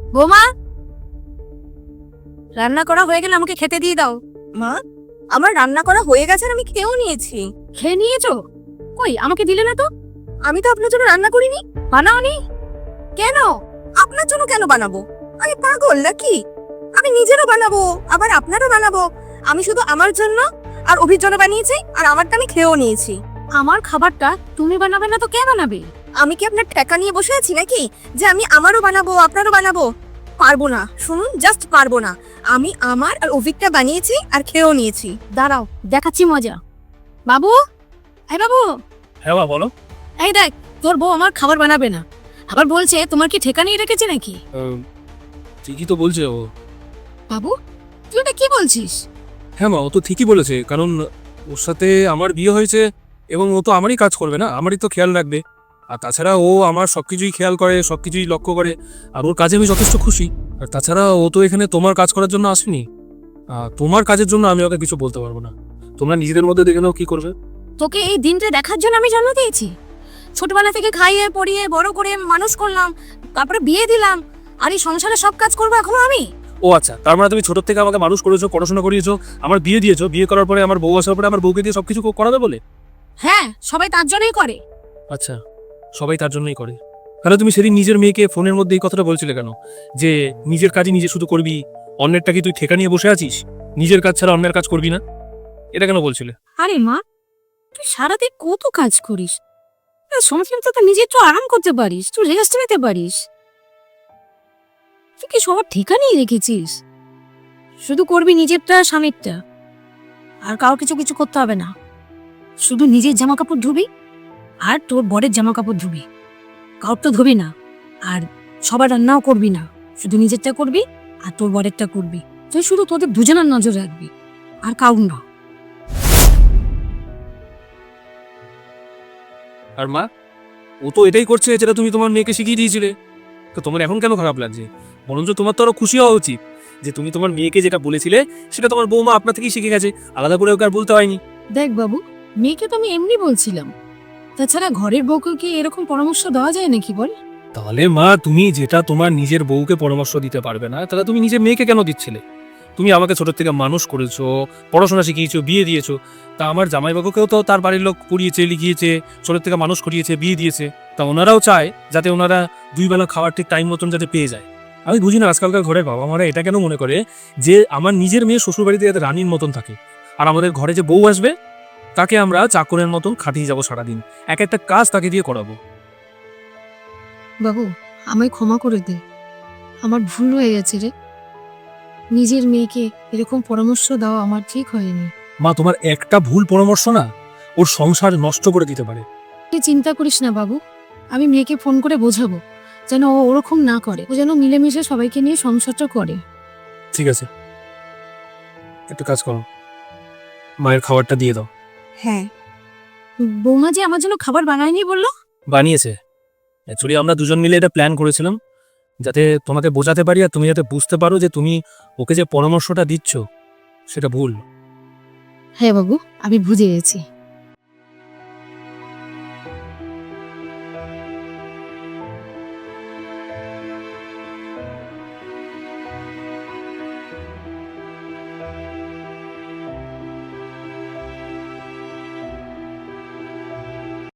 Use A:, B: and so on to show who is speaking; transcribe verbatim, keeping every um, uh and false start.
A: বৌমা, রান্না করা হয়ে গেলে আমাকে খেতে দিয়ে দাও।
B: মা, আমার রান্না করা হয়ে গেছে আর আমি খেয়েও নিয়েছি।
A: খেয়ে নিয়েছো? কই আমাকে দিলে না তো?
B: আমি তো আপনার জন্য রান্না করিনি।
A: বানাওনি
B: কেন? আপনার জন্য কেন বানাবো? আমি পাগল নাকি? আমি নিজেরও বানাবো, আবার আপনারও বানাবো। আমি শুধু আমার জন্য আর অভির জন্য বানিয়েছি, আর আমারটা আমি খেয়েও নিয়েছি।
A: আমার খাবারটা তুমি বানাবে না তো কে বানাবে?
B: আমি কি আপনার ঠেকা নিয়ে বসে আছি নাকি যে আমি আমারও বানাবো আপনারও বানাবো? পারবো না, শুনুন, জাস্ট পারবো না। আমি আমার আর অভিকটা বানিয়েছি আর খেয়েও নিয়েছি।
A: দাঁড়াও, দেখাচ্ছি মজা। বাবু, এই বাবু,
C: হ্যাঁ মা বলো।
A: এই দেখ, তোর বউ আমার খাবার বানাবে না, আবার বলছে তোমার কি ঠেকা নিয়ে রেখেছে নাকি?
C: আহ, ঠিকই তো বলছে ও।
A: বাবু, তুই এটা কি বলছিস?
C: হ্যাঁ মা, ও তো ঠিকই বলেছে, কারণ ওর সাথে আমার বিয়ে হয়েছে এবং ও তো আমারই কাজ করবে না, আমারই তো খেয়াল রাখবে। আর তাছাড়া ও আমার সবকিছুই খেয়াল করে, সবকিছুই লক্ষ্য করে, আর ওর কাজে আমি যথেষ্ট খুশি। আর তাছাড়া ও তো এখানে তোমার কাজ করার জন্য আসেনি। আহ, তোমার কাজের জন্য আমি ওকে কিছু বলতে পারবো না। তোমরা নিজেদের মধ্যে দেখে নাও কি করবে।
A: তোকে এই দিনটা দেখার জন্য আমি জন্ম দিয়েছি। ছোটবেলা থেকে খাইয়ে পড়িয়ে বড় করে মানুষ করলাম, তারপরে বিয়ে দিলাম, আর এই সংসারে সব কাজ করবো এখনো আমি?
C: ও আচ্ছা, তার মানে তুমি ছোট থেকে আমাকে মানুষ করেছো, পড়াশোনা করিয়েছো, আমার বিয়ে দিয়েছো, বিয়ে করার পরে আমার বউ আসার পরে আমার বউকে দিয়ে সবকিছু করাবে বলে?
A: হ্যাঁ, সবাই তার জন্যই করে।
C: আচ্ছা, সবাই তার জন্যই করে। তাহলে তুমি সেদিন নিজের মেয়েকে ফোনের মধ্যে এই কথাটা বলছিলে কেন, যে নিজের কাজই নিজে শুধু করবি, অন্যেরটা কি তুই ঠেকা নিয়ে বসে আছিস, নিজের কাজ ছাড়া অন্যের কাজ করবি না? এটা কেন বলছিলে?
A: আরে মা, তুই সারাদিন কত কাজ করিস, সংসার তো নিজে একটু আরাম করতে পারিস, তুই রেস্ট নিতে পারিস। তুই কি সবার ঠিকানাই রেখেছিস? শুধু করবি নিজেরটা, স্বামীরটা, আর কারো কিছু কিছু করতে হবে না। শুধু নিজের জামা কাপড় ধুবি আর তোর বরের জামা কাপড় ধুবি, কাউর তো ধুবি না। আর সবার রান্নাও করবি না, শুধু নিজেরটা করবি আর তোর বরেরটা করবি। তুই শুধু তোদের দুজনের নজর রাখবি, আর কাউর না।
C: আর মা, ও তো এটাই করছে যেটা তুমি তোমার মেয়েকে শিখিয়ে দিয়েছিলে, তো তোমার এখন কেন খারাপ লাগছে? বরঞ্চ তোমার তো আরো খুশি হওয়া উচিত যে তুমি তোমার মেয়েকে যেটা বলেছিলে সেটা তোমার বৌমা আপনার থেকেই শিখে গেছে, আলাদা করে ওকে আর বলতে হয়নি।
A: দেখ বাবু, মেয়েকে তো আমি এমনি বলছিলাম, তাছাড়া ঘরের বউকে কি এরকম পরামর্শ দেওয়া যায় নাকি বল?
C: তাহলে মা, তুমি যেটা তোমার নিজের বউকে পরামর্শ দিতে পারবে না, তাহলে তুমি নিজের মেয়েকে কেন দিচ্ছিলে? তুমি আমাকে ছোট থেকে মানুষ করেছো, পড়াশোনা শিখিয়েছো, বিয়ে দিয়েছো, তা আমার জামাইবাবুকেও তো তার বাড়ির লোক পড়িয়েছে, লিখিয়েছে, ছোট থেকে মানুষ করিয়েছে, বিয়ে দিয়েছে। তা ওনারাও চায় যাতে ওনারা দুই বেলা খাওয়ার ঠিক টাইম মতন যাতে পেয়ে যায়। আমি বুঝি না আজকালকার ঘরের বাবা মারা এটা কেন মনে করে যে আমার নিজের মেয়ে শ্বশুর বাড়িতে যাতে রানীর মতন থাকে, আর আমাদের ঘরে যে বউ আসবে তাকে আমরা চাকরের মতন খাটিয়ে যাবো সারাদিন, এক একটা কাজ তাকে দিয়ে করাবো।
A: বাবু, আমায় ক্ষমা করে দে, আমার ভুল হয়ে গেছে রে। নিজের মেয়েকে এরকম পরামর্শ দেওয়া আমার ঠিক হয়নি।
C: মা, তোমার একটা ভুল পরামর্শ না ওর সংসার নষ্ট করে দিতে পারে।
A: তুই চিন্তা করিস না বাবু, আমি মেয়েকে ফোন করে বোঝাবো যেন ও ওরকম না করে, ও যেন মিলেমিশে সবাইকে নিয়ে সংসারটা করে।
C: ঠিক আছে, একটা কাজ করো, মায়ের খাবারটা দিয়ে দাও।
B: হ্যাঁ,
A: বৌমা যে আমার জন্য খাবার বানায়নি বললো?
C: বানিয়েছে। অ্যাকচুয়ালি আমরা দুজন মিলে এটা প্ল্যান করেছিলাম যাতে তোমাকে বোঝাতে পারি আর তুমি যাতে বুঝতে পারো যে তুমি ওকে যে পরামর্শটা দিচ্ছ সেটা ভুল।
A: হ্যাঁ বাবু, আমি বুঝে গেছি।